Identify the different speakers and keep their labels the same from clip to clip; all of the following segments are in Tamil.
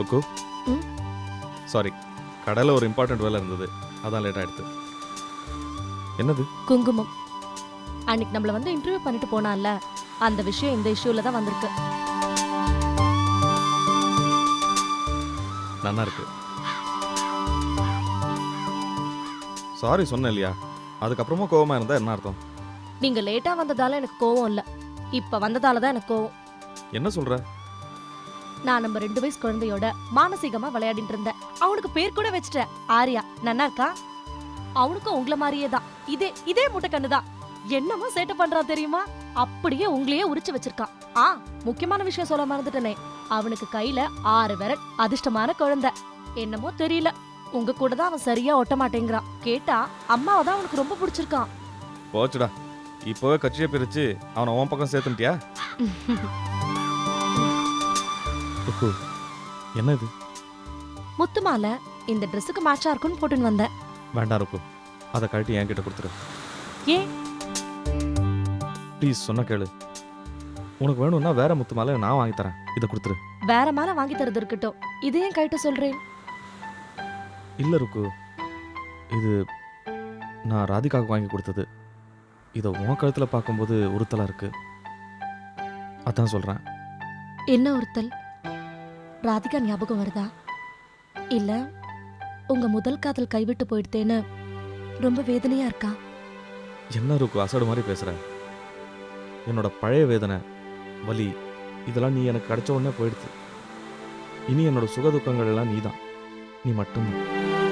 Speaker 1: ருக்கு சாரி, கடையில் ஒரு இம்பார்ட்டன்ட் வேலை இருந்தது, அதான் லேட் ஆயிடுது. என்னது?
Speaker 2: குங்குமம். அன்னைக்கு நம்மள வந்து இன்டர்வியூ பண்ணிட்டு போனான்ல, அந்த விஷயம் இந்த இஷ்யூல தான் வந்திருக்கு.
Speaker 1: நல்லா இருக்கு. சாரி சொன்னேன் இல்லையா, அதுக்கப்புறமா கோவமா இருந்தா என்ன அர்த்தம்?
Speaker 2: நீங்க லேட்டா வந்ததால எனக்கு கோவம் இல்ல, இப்ப வந்ததால தான் எனக்கு கோவம்.
Speaker 1: என்ன சொல்ற?
Speaker 2: நான் நம்ம 2 வயசு குழந்தையோட மானசீகமா விளையாடிட்டு இருந்தேன். அவனுக்கு பேர் கூட வச்சிட்டேன், ஆரியா. நன்னா இருக்கா? அவனுக்கும் உங்கள மாதிரியே தான், இதே முட்டை கண்ணுதான். என்னமோ சேட்டை பண்றான் தெரியுமா? அப்படியே உங்களையே உரிச்சு வச்சிருக்கான். முக்கியமான விஷயம் சொல்ல மறந்துட்டனே, அவனுக்கு கையில 6 விரல். அதிர்ஷ்டமான குழந்தை. என்னமோ தெரியல, உங்க கூட தான் அவன் சரியா ஒட்ட மாட்டேங்கிறான். கேட்டா அம்மாவை தான் அவனுக்கு ரொம்ப பிடிச்சிருக்கான்.
Speaker 1: போச்சுடா, இப்போவே கட்சியை பிரிச்சு அவனை உன் பக்கம் சேர்த்துட்டியா? என்ன இது?
Speaker 2: முத்து மாலை. இந்த ட்ரெஸ்ஸுக்கு மேட்சா இருக்குன்னு போட்டுன்னு வந்தேன்.
Speaker 1: வேண்டாம் ருக்கு, அதை கழட்டி என்கிட்ட கொடுத்துரு.
Speaker 2: ஏன்?
Speaker 1: ப்ளீஸ், சொன்ன கேளு. உனக்கு வேணும்னா வேற முத்து மாலை நான் வாங்கி தரேன், இதை கொடுத்துரு.
Speaker 2: வேற மாலை வாங்கி தரது இருக்கட்டும், இதையும் கைட்டு சொல்றேன்.
Speaker 1: இல்லை ருக்கு, இது நான் ராதிகாவுக்கு வாங்கி கொடுத்தது. இதை உன் கழுத்தில் பார்க்கும்போது உறுத்தலா இருக்கு, அதான் சொல்கிறேன்.
Speaker 2: என்ன ஒருத்தல்? ராதிகா ஞாபகம் வருதா? இல்ல உங்க முதல் காதல் கைவிட்டு போயிடுத்தேன்னு ரொம்ப வேதனையா இருக்கா?
Speaker 1: என்ன ருக்கு அசடு மாதிரி பேசுற? என்னோட பழைய வேதனை, வலி, இதெல்லாம் நீ எனக்கு கிடைச்ச உடனே போயிடுது. இனி என்னோட சுகதுக்கங்கள் எல்லாம் நீதான், நீ மட்டும்தான்.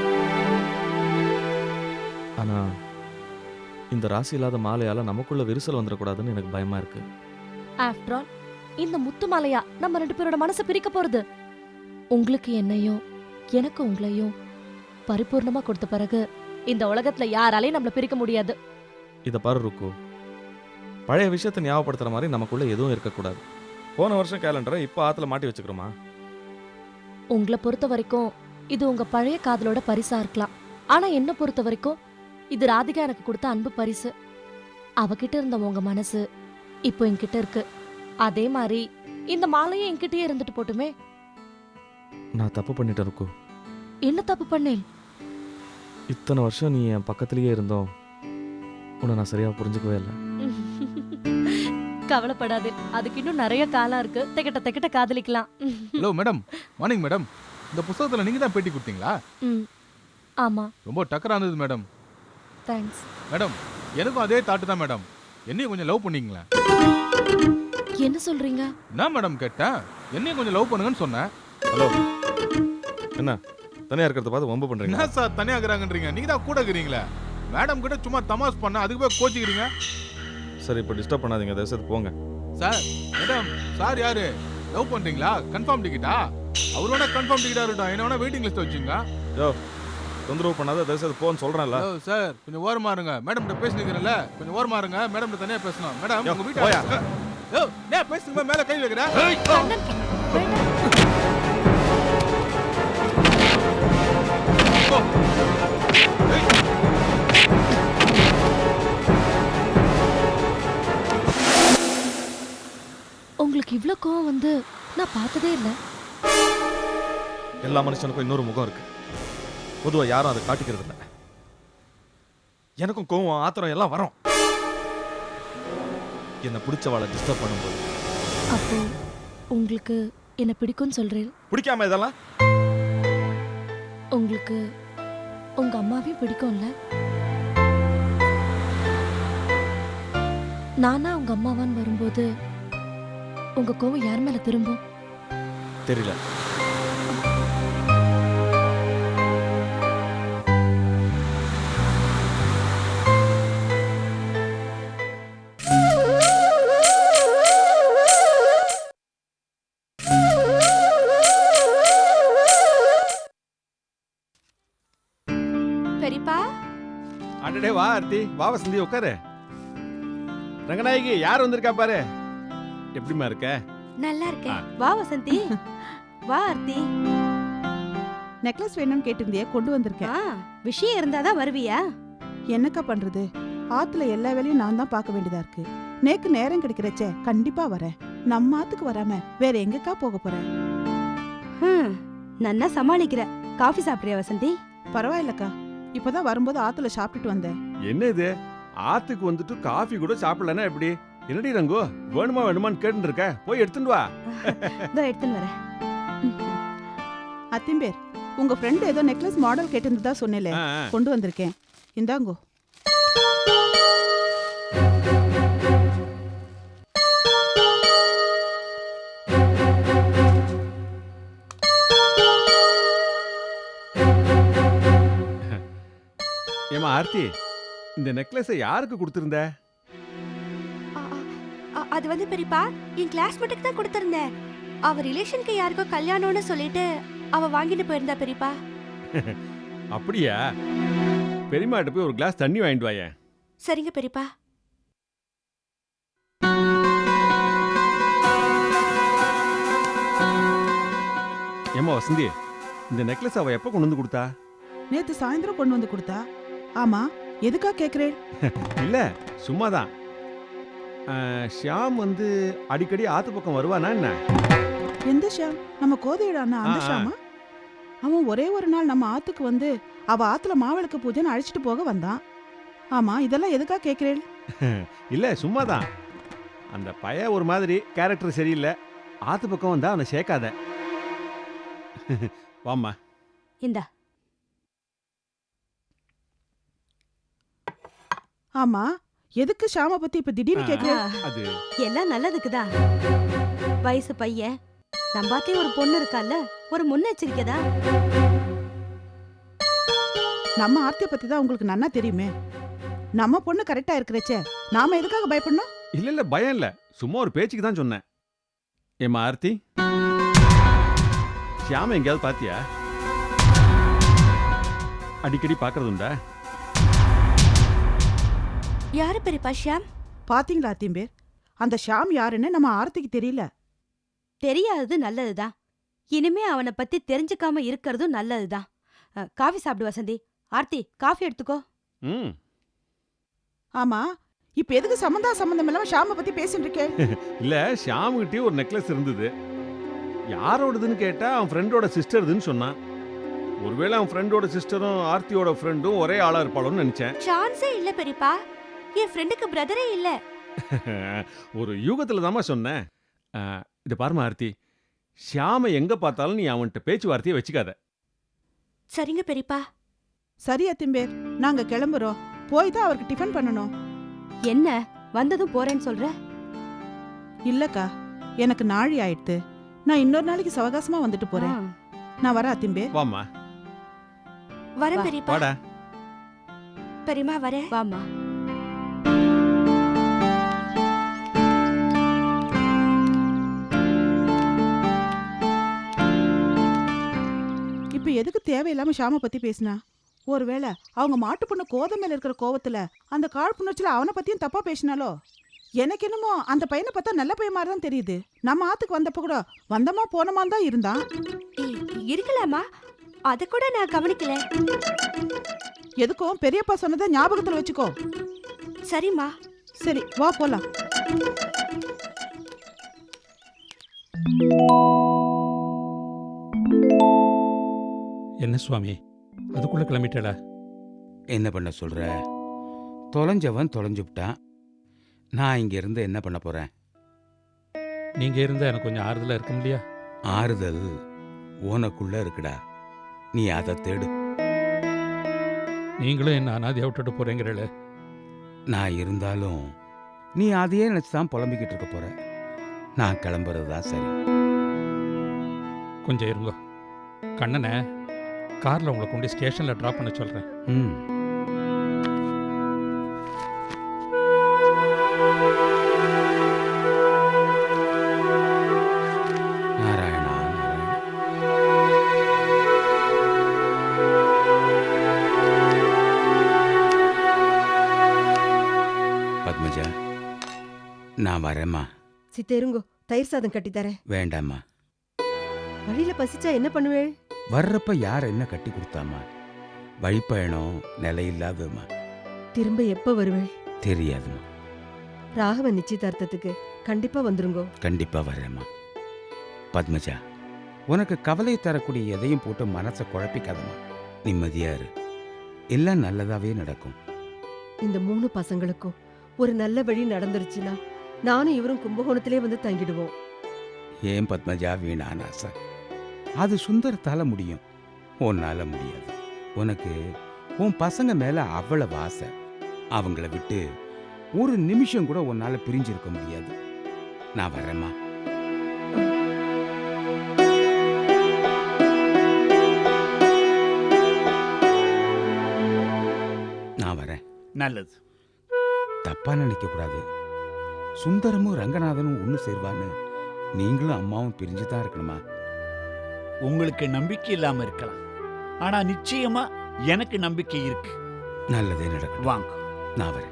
Speaker 1: ஆனா இந்த ராசி இல்லாத மாலையால நமக்குள்ள விரிசல் வந்துடக்கூடாதுன்னு எனக்கு பயமா இருக்கு.
Speaker 2: ஆஃப்டர் ஆல், இந்த முத்து மாலையா நம்ம 2 பேரோட மனசை பிரிக்க போறது? உங்களுக்கு என்னையும் எனக்கு உங்களையும் பரிபூர்ணமா கொடுத்த பிறகு இந்த உலகத்துல யாராலையும் நம்மள பிரிக்க முடியாது.
Speaker 1: இதை பாரு ருக்கு, பழைய விஷயத்தை ஞாபகப்படுத்துற மாதிரி நமக்குள்ள எதுவும் இருக்கக்கூடாது. போன வருஷம் கேலண்டரை இப்போ ஆத்துல மாட்டி வச்சுக்கிறோமா?
Speaker 2: உங்களை பொறுத்த வரைக்கும் இது உங்க பழைய காதலோட பரிசா இருக்கலாம். ஆனா என்ன பொறுத்த வரைக்கும் இது ராதிகா எனக்கு கொடுத்த அன்பு பரிசு. அவகிட்ட இருந்த உங்க மனசு இப்போ என்கிட்ட இருக்கு. அதே மாதிரி இந்த மாலையும் என்கிட்டயே இருந்துட்டு போட்டுமே.
Speaker 1: நான் தப்பு பண்ணிட்டேன் ருக்கு.
Speaker 2: என்ன தப்பு பண்ணேன்?
Speaker 1: இத்தனை வருஷம் நீ என் பக்கத்திலேயே இருந்தோம், உன்னை நான் சரியா புரிஞ்சுக்கவே இல்லை.
Speaker 2: கவலைப்படாதே, அதுக்கு இன்னும் நிறைய காலம் இருக்கு. தெக்கிட்ட காதலிக்கலாம்.
Speaker 3: Hello madam, morning madam. இந்த புத்தகத்துல நீங்க தான் பேட்டி கொடுத்தீங்களா?
Speaker 2: ஆமா.
Speaker 3: ரொம்ப டக்கரா இருந்தது மேடம்.
Speaker 2: தேங்க்ஸ்.
Speaker 3: மேடம், எனக்கும் அதே தாட்டு தான் மேடம். என்னையும் கொஞ்சம் லவ் பண்ணீங்களா?
Speaker 2: என்ன சொல்றீங்க?
Speaker 3: என்ன மேடம் கேட்டேன், என்னையும் கொஞ்சம் லவ் பண்ணுங்கன்னு சொன்னேன்.
Speaker 1: ஹலோ, என்ன தனியா இருக்கிறத பார்த்து வம்பு பண்றீங்க?
Speaker 3: என்ன சார் தனியா இருக்கிறாங்கன்றீங்க? நீங்க தான் கூட இருக்கிறீங்களே. மேடம் கிட்ட சும்மா தமாஸ் பண்ண, அதுக்கு போய் கோச்சிக்கிறீங்க.
Speaker 1: சரி, இப்போ டிஸ்டர்ப் பண்ணாதீங்க, தயவுசெய்து போங்க.
Speaker 3: சார், மேடம், சார் யாரு? லவ் பண்றீங்களா? கன்ஃபார்ம் டிக்கெட்டா? அவரோட கன்ஃபார்ம் டிக்கெட்டா இருக்கட்டும், என்ன வேணா வெயிட்டிங் லிஸ்ட் வச்சுங்க.
Speaker 1: யோ, தொந்தரவு பண்ணாத, தயவுசெய்து போன்னு சொல்றேன்ல.
Speaker 3: சார் கொஞ்சம் ஓரமா இருங்க. மேடம் கிட்ட பேசிக்கிறேன்ல, கொஞ்சம் ஓரமா இருங்க. மேடம் கிட்ட தனியா பேசணும். மேடம் உங்க வீட்டு
Speaker 1: போயா.
Speaker 3: யோ, நான் பேசுங்க, மேல கை வைக்கிறேன்.
Speaker 2: உங்களுக்கு இவ்ளோ கோவம் வந்து நான் பார்த்ததே இல்ல.
Speaker 1: எல்லா மனுஷனுக்கும் இன்னொரு முகம் இருக்கு, பொதுவா யாரும் அதை காட்டிக்கிறது இல்லை. எனக்கும் கோவம், ஆத்திரம் எல்லாம் வரும் என்ன பிடிச்சவாளை டிஸ்டர்ப் பண்ணும்போது.
Speaker 2: அப்போ உங்களுக்கு என்ன பிடிக்கும்னு சொல்றேன்?
Speaker 1: பிடிக்காம இதெல்லாம்?
Speaker 2: உங்களுக்கு உங்க அம்மாவையும் பிடிக்கும்ல? நானா உங்க அம்மாவான்னு வரும்போது உங்க கோவம் யார் மேல திரும்பும்?
Speaker 1: தெரியல.
Speaker 4: பெரியப்பா,
Speaker 5: அடடே வா ஆர்த்தி, வா வசந்தி, உட்காரு. ரங்கநாயகி யார் வந்திருக்கா பாரு. எப்படிமா இருக்க?
Speaker 4: நல்லா இருக்கேன். வா வசந்தி, வா ஆர்த்தி.
Speaker 6: நெக்லஸ் வேணும்னு கேட்டிருந்தியே, கொண்டு வந்திருக்கேன்.
Speaker 4: விஷயம் இருந்தாதான் வருவியா?
Speaker 6: என்னக்கா பண்றது, ஆத்துல எல்லா வேலையும் நான் தான் பார்க்க வேண்டியதா இருக்கு. நேக்கு நேரம் கிடைக்கிறச்சே கண்டிப்பா வரேன். நம்ம ஆத்துக்கு வராம வேற எங்கக்கா போக போறேன்?
Speaker 4: நன்னா சமாளிக்கிற. காஃபி சாப்பிடுறியா வசந்தி?
Speaker 6: பரவாயில்லக்கா, இப்பதான் வரும்போது ஆத்துல சாப்பிட்டுட்டு வந்தேன்.
Speaker 5: என்ன இது ஆத்துக்கு வந்துட்டு காஃபி கூட சாப்பிடலன்னா எப்படி? என்னடி ரங்கு, வேணுமா வேணுமான்னு கேட்டு இருக்க? போய் எடுத்துட்டு வா.
Speaker 4: இதோ எடுத்துன்னு வரேன்.
Speaker 6: அத்திம்பேர், உங்க ஃப்ரெண்ட் ஏதோ நெக்லஸ் மாடல் கேட்டிருந்ததா சொன்னேல,
Speaker 5: ஆ, ஆ.
Speaker 6: கொண்டு வந்திருக்கேன். இந்தாங்கோ.
Speaker 5: ஏமா ஆர்த்தி, இந்த நெக்லஸை யாருக்கு கொடுத்திருந்த?
Speaker 4: அது வந்து பெரியப்பா, என் கிளாஸ்மேட்டுக்கு தான் கொடுத்திருந்தேன். அவ ரிலேஷனுக்கு யாருக்கோ கல்யாணம்னு சொல்லிட்டு அவ வாங்கிட்டு போயிருந்தா பெரியப்பா.
Speaker 5: அப்படியா? பெரியமாட்ட போய் ஒரு கிளாஸ் தண்ணி வாங்கிட்டு வாயேன்.
Speaker 4: சரிங்க பெரியப்பா.
Speaker 5: ஏமா வசந்தி, இந்த நெக்லஸ் அவ எப்ப கொண்டு வந்து கொடுத்தா?
Speaker 6: நேத்து சாயந்தரம் கொண்டு வந்து கொடுத்தா. ஆமா, எதுக்கா கேக்குறேன்?
Speaker 5: இல்ல, சும்மாதான். ஷியாம் வந்து அடிக்கடி ஆத்து பக்கம் வருவானா என்ன?
Speaker 6: எந்த ஷாம்? நம்ம கோதையிடானா அந்த
Speaker 5: ஆ, ஆ.
Speaker 6: ஷாமா? அவன் ஒரே ஒரு நாள் நம்ம ஆத்துக்கு வந்து அவ ஆத்துல மாவிளக்கு பூஜைன்னு அழைச்சிட்டு போக வந்தான். ஆமா, இதெல்லாம் எதுக்கா கேக்குறேன்?
Speaker 5: இல்ல, சும்மாதான். அந்த பையன் ஒரு மாதிரி கேரக்டர் சரியில்லை. ஆத்து பக்கம் வந்தா அவனை சேர்க்காத. வாம்மா.
Speaker 4: இந்தா.
Speaker 6: ஆமா, எதுக்கு ஷாம பத்தி இப்ப திடீர்னு கேக்குறேன்?
Speaker 5: அது
Speaker 4: எல்லாம் நல்லதுக்குதான். வயசு பையன், நம்பாத்தையும் ஒரு பொண்ணு இருக்கால, ஒரு முன்னெச்சரிக்கைதான்.
Speaker 6: நம்ம ஆர்த்திய பத்தி தான் உங்களுக்கு நன்னா தெரியுமே. நம்ம பொண்ணு கரெக்டா இருக்கிறச்சே நாம எதுக்காக பயப்படணும்?
Speaker 5: இல்ல இல்ல, பயம் இல்ல, சும்மா ஒரு பேச்சுக்கு தான் சொன்னேன். ஏம்மா ஆர்த்தி, ஷியாம எங்கேயாவது பாத்தியா? அடிக்கடி பாக்குறது உண்டா?
Speaker 4: யாரு பெரியப்பா ஷியாம்?
Speaker 6: பாத்தீங்களா அத்திம்பேர், அந்த ஷாம் யாருன்னு நம்ம ஆர்த்திக்கு தெரியல.
Speaker 4: தெரியாதது நல்லதுதான். இனிமே அவனை பத்தி தெரிஞ்சுக்காம இருக்கிறதும் நல்லதுதான். காஃபி சாப்பிடு வசந்தி. ஆர்த்தி, காஃபி எடுத்துக்கோ.
Speaker 5: ம்.
Speaker 6: ஆமா, இப்ப எதுக்கு சம்பந்தம் இல்லாம ஷாம பத்தி பேசிட்டு இருக்கே?
Speaker 5: இல்ல, ஷியாமுகிட்டே ஒரு நெக்லஸ் இருந்தது. யாரோடதுன்னு கேட்டா அவன் ஃப்ரெண்டோட சிஸ்டர்துன்னு சொன்னான். ஒருவேளை அவன் ஃப்ரெண்டோட சிஸ்டரும் ஆர்த்தியோட ஃப்ரெண்டும் ஒரே ஆளா இருப்பாளோன்னு நினைச்சேன்.
Speaker 4: சான்ஸே இல்ல பெரியப்பா. என் ஃப்ரெண்டுக்கு பிரதரே இல்ல.
Speaker 5: ஒரு யூகத்துல தாமா சொன்னேன். இத பாருமா ஆர்த்தி, ஷியாம எங்க பார்த்தாலும் நீ அவன்கிட்ட பேச்சுவார்த்தையை வச்சுக்காத.
Speaker 4: சரிங்க பெரியப்பா.
Speaker 6: சரி அத்திம்பேர், நாங்க கிளம்புறோம். போய் தான் அவருக்கு டிஃபன் பண்ணணும்.
Speaker 4: என்ன வந்ததும் போறேன்னு சொல்ற?
Speaker 6: இல்லக்கா, எனக்கு நாழி ஆயிடுத்து. நான் இன்னொரு நாளைக்கு சவகாசமா வந்துட்டு போறேன். நான் வரேன் அத்திம்பேர்.
Speaker 5: வாம்மா.
Speaker 4: வரேன்
Speaker 2: வா.
Speaker 4: பெரியப்பா.
Speaker 5: வாடா.
Speaker 4: பெரியம்மா வரேன்.
Speaker 2: வாமா.
Speaker 6: இப்ப எதுக்கு தேவையில்லாம ஷாம பத்தி பேசினா? ஒருவேளை அவங்க மாட்டு பொண்ணு கோதை மேல இருக்கிற கோவத்துல அந்த காழ்ப்புணர்ச்சியில அவனை பத்தியும் தப்பா பேசினாலோ? எனக்கு என்னமோ அந்த பையனை பார்த்தா நல்ல பையன் மாதிரி தான் தெரியுது. நம்ம ஆத்துக்கு வந்தப்ப கூட வந்தமா போனமான்னு தான் இருந்தான்.
Speaker 4: இருக்கலாமா? அத கூட நான் கவனிக்கல.
Speaker 6: எதுக்கும் பெரியப்பா சொன்னதை ஞாபகத்துல வச்சுக்கோ.
Speaker 4: சரிம்மா.
Speaker 6: சரி, வா போலாம்.
Speaker 7: என்ன சுவாமி, அதுக்குள்ள கிளம்பிட்டடா?
Speaker 8: என்ன பண்ண சொல்ற? தொலைஞ்சவன் தொலைஞ்சுட்டான். நான் இங்க இருந்து என்ன பண்ண போறேன்?
Speaker 7: நீங்க இருந்தா எனக்கு கொஞ்சம் ஆறுதலா இருக்க முடியா?
Speaker 8: ஆறுதல் உனக்குள்ள இருக்குடா, நீ அதை தேடு.
Speaker 7: நீங்களும் என்ன அனாதையா விட்டுட்டு போறீங்களே.
Speaker 8: நான் இருந்தாலும் நீ அதையே நினைச்சுதான் புலம்பிக்கிட்டு இருக்க போற. நான் கிளம்புறது தான் சரி.
Speaker 7: கொஞ்சம் இருங்க, கண்ணனை கார்ல உங்களை கொண்டு ஸ்டேஷன்ல டிராப் பண்ண சொல்றேன்.
Speaker 8: ம். நாராயணா நாராயணா. பத்மஜா, நான் வரேம்மா.
Speaker 9: சித்தேருங்கோ, தயிர் சாதம் கட்டி தரேன்.
Speaker 8: வேண்டாம்மா.
Speaker 9: வழியில பசிச்சா என்ன பண்ணுவேள்?
Speaker 8: வர்றப்ப யார் என்ன கட்டி கொடுத்தாமா? வழிப்பயணம் நிலையில்லாததுமா.
Speaker 9: திரும்ப எப்ப வருவேள்?
Speaker 8: தெரியாதுமா.
Speaker 9: ராகவன் நிச்சயதார்த்தத்துக்கு கண்டிப்பா வந்துருங்கோ.
Speaker 8: கண்டிப்பா வரேம்மா. பத்மஜா, உனக்கு கவலை தரக்கூடிய எதையும் போட்டு மனசை குழப்பிக்காதம்மா. நிம்மதியா இரு, எல்லாம் நல்லதாவே நடக்கும்.
Speaker 9: இந்த 3 பசங்களுக்கும் ஒரு நல்ல வழி நடந்துருச்சுன்னா நானும் இவரும் கும்பகோணத்திலே வந்து தங்கிடுவோம்.
Speaker 8: ஏன் பத்மஜா வீணான ஆசை? அது சுந்தரத்தால முடியும், உன்னால முடியாது. உனக்கு உன் பசங்க மேல அவ்வளவு ஆசை. அவங்கள விட்டு ஒரு நிமிஷம் கூட உன்னால பிரிஞ்சிருக்க முடியாது. நான் வரேம்மா. நான் வரேன்.
Speaker 10: நல்லது.
Speaker 8: தப்பா நினைக்க கூடாது. சுந்தரமும் ரங்கநாதனும் ஒண்ணு சேர்வான்னு நீங்களும் அம்மாவும் பிரிஞ்சுதான் இருக்கணுமா?
Speaker 10: உங்களுக்கு நம்பிக்கை இல்லாம இருக்கலாம், ஆனா நிச்சயமா எனக்கு நம்பிக்கை இருக்கு.
Speaker 8: நல்லதே நடக்கும்.
Speaker 10: வாங்க.
Speaker 8: நான் வரேன்.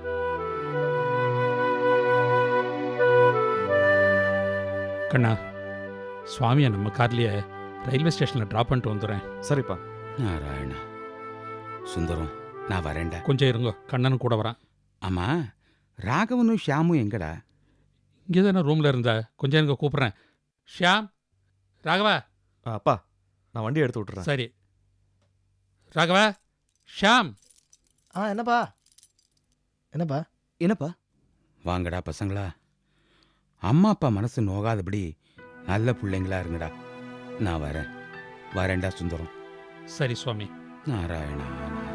Speaker 7: கண்ணா, சுவாமியை நம்ம கார்லயே ரயில்வே ஸ்டேஷனில் ட்ராப் பண்ணிட்டு வந்துடுறேன்.
Speaker 1: சரிப்பா.
Speaker 8: நாராயணா. சுந்தரம், நான் வரேன்டா.
Speaker 7: கொஞ்சம் இருங்க, கண்ணனும் கூட வரான்.
Speaker 8: ஆமா, ராகவனும் ஷியாமும் எங்கடா?
Speaker 7: இங்கே தானே ரூமில் இருந்த, கொஞ்சம் இருங்க கூப்பிட்றேன். ஷியாம், ராகவா.
Speaker 1: அப்பா, நான் வண்டி எடுத்து விட்டுறேன்.
Speaker 7: சரி ராகவா, ஷியாம்.
Speaker 11: என்னப்பா என்னப்பா
Speaker 8: என்னப்பா? வாங்கடா பசங்களா. அம்மா அப்பா மனசு நோகாதபடி நல்ல பிள்ளைங்களா இருங்கடா. நான் வரேன். வரேன்டா சுந்தரம்.
Speaker 7: சரி சுவாமி.
Speaker 8: நாராயணா.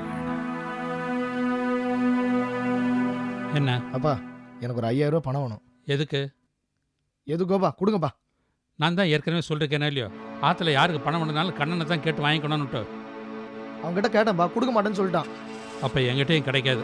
Speaker 7: என்ன
Speaker 11: அப்பா, எனக்கு ஒரு 5000 ரூபாய் பணம் வேணும்.
Speaker 7: எதுக்கு?
Speaker 11: எதுக்கோப்பா? கொடுங்கப்பா.
Speaker 7: நான் தான் ஏற்கனவே சொல்லிருக்கேனே இல்லையோ, ஆற்றுல யாருக்கு பணம் வேணுனாலும் கண்ணனை தான் கேட்டு வாங்கிக்கணும்னுட்டு.
Speaker 11: அவங்ககிட்ட கேட்டேன்ப்பா, கொடுக்க மாட்டேன்னு சொல்லிட்டான்.
Speaker 7: அப்போ எங்கிட்டையும் கிடைக்காது.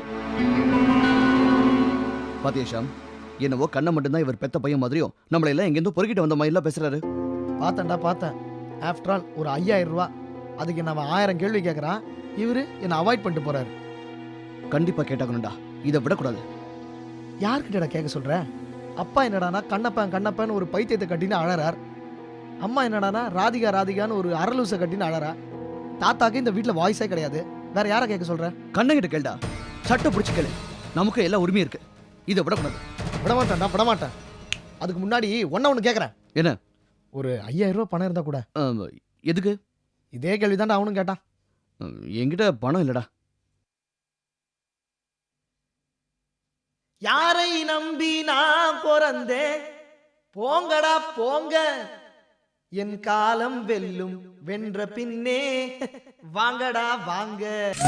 Speaker 12: பாத்தியா ஷாம், என்னவோ கண்ணை மட்டும்தான் இவர் பெத்த பையன் மாதிரியும் நம்மள எல்லாம் எங்கேருந்தோ பொறுக்கிட்டு வந்த மாதிரிலாம் பேசுறாரு.
Speaker 11: பார்த்தேன். ஆஃப்டர் ஆல் ஒரு 5000 ரூபாய், அதுக்கு நம்ம 1000 கேள்வி கேட்குறான். இவரு என்னை அவாய்ட் பண்ணிட்டு போறாரு.
Speaker 12: கண்டிப்பா கேட்டாகணும்டா, இதை விடக்கூடாது.
Speaker 11: யார்கிட்டடா கேட்க சொல்ற? அப்பா என்னடானா கண்ணப்பன் ஒரு பைத்தியத்தை கட்டின்னு அழறார். அம்மா என்னடானா ராதிகான்னு ஒரு அரலூசை கட்டின்னு அழறா. தாத்தாக்கு இந்த வீட்டில் வாய்ஸே கிடையாது. வேற யாரை கேட்க சொல்ற?
Speaker 12: கண்ணங்கிட்ட கேள்டா, சட்டை பிடிச்சி கேளு. நமக்கு எல்லா உரிமையும் இருக்கு, இதை விடக்கூடாது.
Speaker 11: விடமாட்டேன். அதுக்கு முன்னாடி ஒன்று கேட்குறேன்.
Speaker 12: என்ன?
Speaker 11: ஒரு 5000 ரூபாய் பணம் இருந்தா கூட.
Speaker 12: எதுக்கு?
Speaker 11: இதே கேள்விதான்டா அவனும் கேட்டான்.
Speaker 12: என்கிட்ட பணம் இல்லடா.
Speaker 11: யாரை நம்பி நான் பிறந்தேன், போங்கடா போங்க, என் காலம் வெல்லும், வென்ற பின்னே வாங்கடா வாங்க.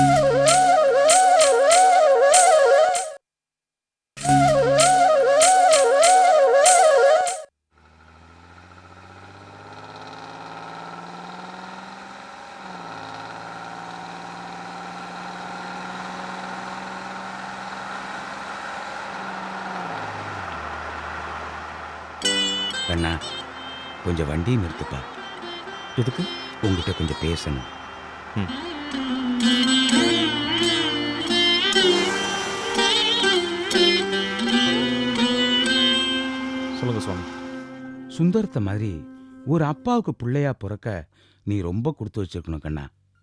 Speaker 8: கண்ணா, கொஞ்சம் வண்டி நிறுத்துப்பா.
Speaker 1: எதுக்கு?
Speaker 8: உங்ககிட்ட கொஞ்சம் பேசணும்.
Speaker 1: சொல்லுங்க சுவாமி.
Speaker 8: சுந்தரத்தை மாதிரி ஒரு அப்பாவுக்கு பிள்ளையா பிறக்க நீ ரொம்ப கொடுத்து வச்சிருக்கணும் கண்ணா.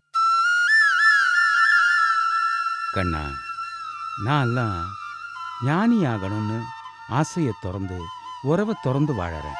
Speaker 8: கண்ணா, நான் எல்லாம் ஞானி ஆகணும்னு ஆசையை திறந்து உறவை திறந்து வாழறேன்.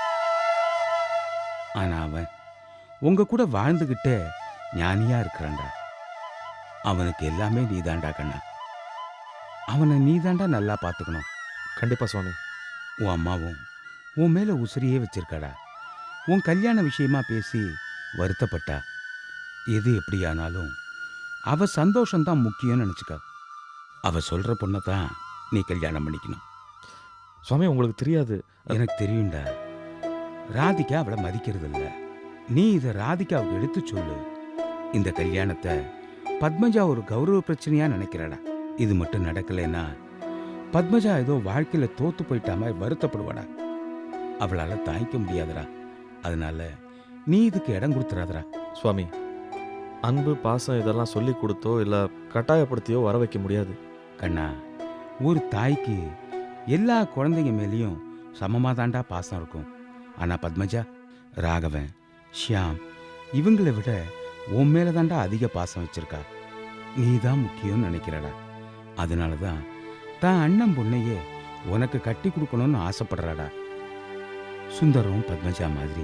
Speaker 8: ஆனா அவன் உங்க கூட வாழ்ந்துகிட்டே ஞானியா இருக்கிறான்டா. அவனுக்கு எல்லாமே நீதாண்டா கண்ணா. அவனை நீதாண்டா நல்லா பார்த்துக்கணும்.
Speaker 1: கண்டிப்பா சுவாமி.
Speaker 8: உன் அம்மாவும் உன் மேல உசிரியே வச்சிருக்காடா. உன் கல்யாண விஷயமா பேசி வருத்தப்பட்டா. எது எப்படியானாலும் அவ சந்தோஷம்தான் முக்கியம்னு நினைச்சுக்க. அவ சொல்ற பொண்ணை தான் நீ கல்யாணம் பண்ணிக்கணும்.
Speaker 1: சுவாமி, உங்களுக்கு தெரியாது.
Speaker 8: எனக்கு தெரியும்டா. ராதிகா அவளை மதிக்கிறது இல்ல. நீ இதை ராதிகாவுக்கு எடுத்து சொல்லு. இந்த கல்யாணத்தை பத்மஜா ஒரு கௌரவ பிரச்சனையா நினைக்கிறாடா. இது மட்டும் நடக்கலைன்னா பத்மஜா ஏதோ வாழ்க்கையில தோத்து போயிட்டா மாதிரி வருத்தப்படுவாடா. அவளால தாங்கிக்க முடியாதுடா. அதனால நீ இதுக்கு இடம் கொடுத்துறாதடா.
Speaker 1: சுவாமி, அன்பு பாசம் இதெல்லாம் சொல்லி கொடுத்தோ இல்லை கட்டாயப்படுத்தியோ வர வைக்க முடியாது.
Speaker 8: கண்ணா, ஒரு தாய்க்கு எல்லா குழந்தைங்க மேலேயும் சமமாக தாண்டா பாசம் இருக்கும். ஆனால் பத்மஜா, ராகவன், ஷியாம் இவங்களை விட உன் மேலே தாண்டா அதிக பாசம் வச்சிருக்கா. நீ தான் முக்கியம்னு நினைக்கிறடா. அதனால தான் தான் அண்ணன் பொண்ணையே உனக்கு கட்டி கொடுக்கணும்னு ஆசைப்படுறாடா. சுந்தரம் பத்மஜா மாதிரி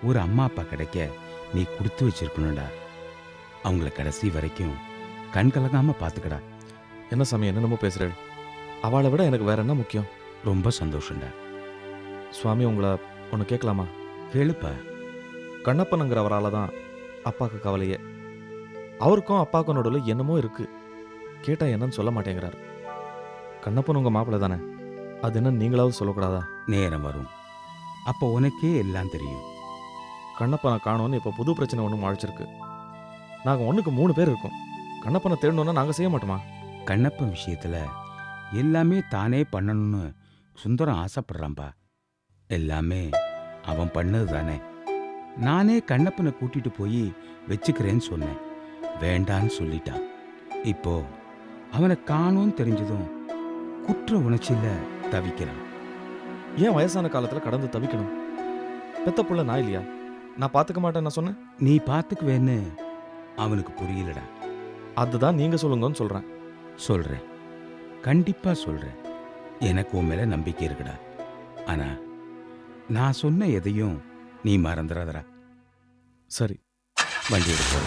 Speaker 8: ஒரு அம்மா அப்பா கிடைக்க நீ கொடுத்து வச்சிருக்கணும்டா. அவங்கள கடைசி வரைக்கும் கண் கலங்காம பார்த்துக்கடா.
Speaker 1: என்ன சாமி என்னென்னமோ பேசுகிறேன். அவளை விட எனக்கு வேற என்ன முக்கியம்?
Speaker 8: ரொம்ப சந்தோஷம்டா.
Speaker 1: சுவாமி உங்களை ஒன்று கேட்கலாமா?
Speaker 8: கேளுப்பா.
Speaker 1: கண்ணப்பனுங்கிறவரால் தான் அப்பாவுக்கு கவலையே. அவருக்கும் அப்பாவுக்கும் நடுவில் என்னமோ இருக்கு. கேட்டால் என்னன்னு சொல்ல மாட்டேங்கிறார். கண்ணப்பன் உங்கள் மாப்பிள்ளை தானே, அது என்ன நீங்களாவது சொல்லக்கூடாதா?
Speaker 8: நேரம் வரும், அப்போ உனக்கே எல்லாம் தெரியும்.
Speaker 1: கண்ணப்பனை காணோன்னு இப்போ புது பிரச்சனை ஒன்று முளைச்சிருக்கு. நாங்கள் 1க்கு 3 பேர் இருக்கோம். கண்ணப்பனை தேடணுன்னா நாங்கள் செய்ய மாட்டோமா?
Speaker 8: கண்ணப்பன் விஷயத்துல எல்லாமே தானே பண்ணணும்னு சுந்தரம் ஆசைப்படுறான்பா. எல்லாமே அவன் பண்ணது தானே. நானே கண்ணப்பனை கூட்டிட்டு போய் வச்சுக்கிறேன்னு சொன்னேன், வேண்டான்னு சொல்லிட்டான். இப்போ அவனை காணோன்னு தெரிஞ்சதும் குற்ற உணர்ச்சியில தவிக்கிறான்.
Speaker 1: ஏன் வயசான காலத்தில் கடந்து தவிக்கணும்? பெத்த புள்ள நான் இல்லையா? நான் பார்த்துக்க மாட்டேன் நான் சொன்னேன்.
Speaker 8: நீ பார்த்துக்குவேன்னு அவனுக்கு புரியலடா.
Speaker 1: அதுதான் நீங்கள் சொல்லுங்கன்னு சொல்கிறேன்.
Speaker 8: சொல்றேன், கண்டிப்பா சொல்றேன். எனக்கு உன் மேல நம்பிக்கை இருக்குடா. ஆனா நான் சொன்ன எதையும் நீ மறந்துடாதடா.
Speaker 1: சரி,
Speaker 8: வண்டி எடுப்போம்.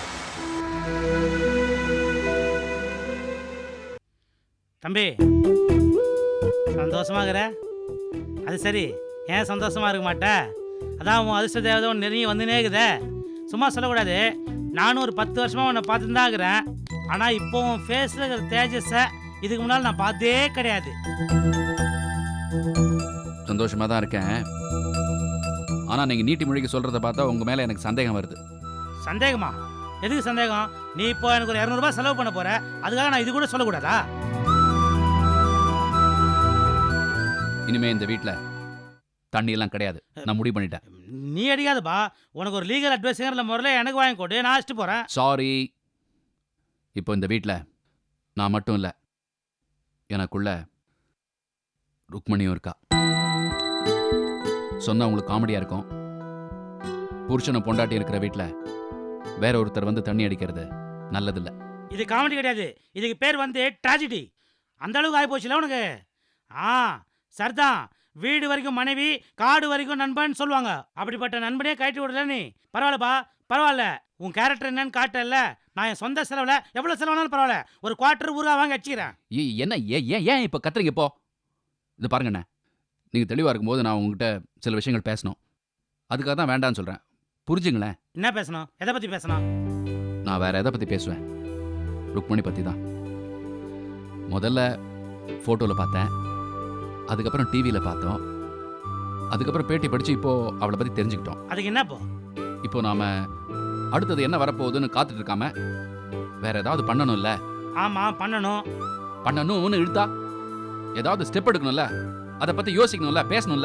Speaker 13: தம்பி, சந்தோஷமாகிற? அது சரி, ஏன் சந்தோஷமா இருக்க மாட்டே? அதான் உன் அதிர்ஷ்ட தேவதை ஒன்று நெருங்கி வந்துனே இருக்குதே. சும்மா சொல்லக்கூடாது. நானும் ஒரு 10 வருஷமாக உன்னை பார்த்துட்டு தான் இருக்கிறேன். ஆனால் இப்போ உன் ஃபேஸில் இருக்கிற தேஜஸை இதுக்கு முன்னால் நான் பார்த்தே கிடையாது.
Speaker 14: சந்தோஷமாக தான் இருக்கேன். ஆனால் நீங்கள் நீட்டி மொழிக்கு சொல்கிறத பார்த்தா உங்கள் மேலே எனக்கு சந்தேகம் வருது.
Speaker 13: சந்தேகமா? எதுக்கு சந்தேகம்? நீ இப்போ எனக்கு ஒரு 200 ரூபாய் செலவு பண்ண போற, அதுக்காக நான் இது கூட சொல்லக்கூடாதா?
Speaker 14: இனிமே இந்த வீட்டில் தண்ணி எல்லாம் கிடையாது, நான் முடிவு பண்ணிட்டேன்.
Speaker 13: நீ அடிக்காதப்பா. உனக்கு ஒரு லீகல் அட்வைஸுங்கிற முறையில் எனக்கு வாங்கி கொடு, நான் அழைச்சிட்டு போகிறேன்.
Speaker 14: சாரி. இப்போ இந்த வீட்டில் நான் மட்டும் இல்லை, எனக்குள்ள ருக்மணியும் இருக்கா. சொன்னா உங்களுக்கு காமெடியாக இருக்கும். புருஷனை பொண்டாட்டி இருக்கிற வீட்டில் வேற ஒருத்தர் வந்து தண்ணி அடிக்கிறது நல்லதில்லை.
Speaker 13: இது காமெடி கிடையாது, இதுக்கு பேர் வந்து ட்ராஜடி. அந்த அளவுக்கு ஆகி போச்சுல உனக்கு. சரிதான், வீடு வரைக்கும் மனைவி, காடு வரைக்கும் நண்பன் சொல்லுவாங்க. அப்படிப்பட்ட நண்பனே கழட்டி விடல நீ. பரவாயில்லப்பா, பரவாயில்ல. உன் கேரக்டர் என்னன்னு காட்டல. நான் என் சொந்த செலவில் எவ்வளோ செலவுனாலும் பரவாயில்ல, ஒரு குவார்ட்டர் ஊருகா வாங்கி வச்சுக்கிறேன்.
Speaker 14: என்ன ஏன் இப்போ கத்துறீங்க? இப்போ இது பாருங்கண்ணே, நீங்கள் தெளிவாக இருக்கும்போது நான் உங்ககிட்ட சில விஷயங்கள் பேசணும். அதுக்காக தான் வேண்டான்னு சொல்கிறேன், புரிஞ்சுங்களேன்.
Speaker 13: என்ன பேசணும்? எதை பற்றி பேசணும்?
Speaker 14: நான் வேற எதை பற்றி பேசுவேன்? ருக்மணி பற்றி தான். முதல்ல ஃபோட்டோவில் பார்த்தேன், அதுக்கப்புறம் டிவியில் பார்த்தோம், அதுக்கப்புறம் பேட்டி படித்து இப்போது அவளை பற்றி தெரிஞ்சுக்கிட்டோம்.
Speaker 13: அதுக்கு என்ன
Speaker 14: இப்போ நாம் அடுத்தது என்ன வரப்போகுதுன்னு காத்துட்டு இருக்காம வேற ஏதாவது பண்ணணும்ல?
Speaker 13: ஆமாம்,
Speaker 14: பண்ணணும்னு இழுத்தா ஏதாவது ஸ்டெப் எடுக்கணும்ல, அதை பற்றி யோசிக்கணும்ல, பேசணும்ல.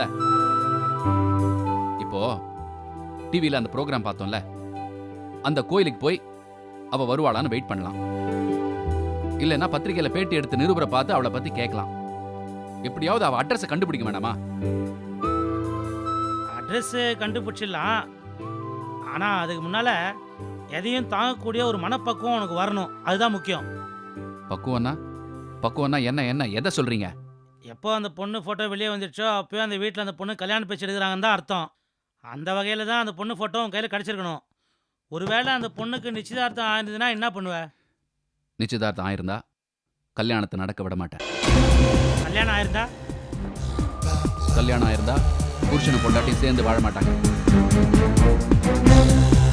Speaker 14: இப்போ டிவியில் அந்த ப்ரோக்ராம் பார்த்தோம்ல, அந்த கோயிலுக்கு போய் அவள் வருவாளான்னு வெயிட் பண்ணலாம். இல்லைன்னா பத்திரிகையில் பேட்டி எடுத்து நிருபரை பார்த்து அவளை பற்றி கேட்கலாம். எப்படியாவது அவள் அட்ரஸை கண்டுபிடிக்க வேண்டாமா?
Speaker 13: அட்ரஸ் கண்டுபிடிச்சிடலாம். ஆனால் அதுக்கு முன்னால் எதையும் தாங்கக்கூடிய ஒரு மனப்பக்குவம் உனக்கு வரணும், அதுதான் முக்கியம்.
Speaker 14: பக்குவம்னா என்ன எதை சொல்கிறீங்க?
Speaker 13: எப்போ அந்த பொண்ணு ஃபோட்டோ வெளியே வந்துடுச்சோ அப்போயும் அந்த வீட்டில் அந்த பொண்ணு கல்யாணம் பேச்சு எடுக்கிறாங்கன்னு தான் அர்த்தம். அந்த வகையில் தான் அந்த பொண்ணு ஃபோட்டோ உன் கையில் கிடச்சிருக்கணும். ஒருவேளை அந்த பொண்ணுக்கு நிச்சயதார்த்தம் ஆயிருந்ததுன்னா என்ன பண்ணுவ?
Speaker 14: நிச்சயதார்த்தம் ஆயிருந்தா கல்யாணத்தை நடக்க விட மாட்டேன்.
Speaker 13: கல்யாணம்
Speaker 14: ஆயிருந்தா புருஷனை பொண்டாட்டி சேர்ந்து வாழ மாட்டாங்க.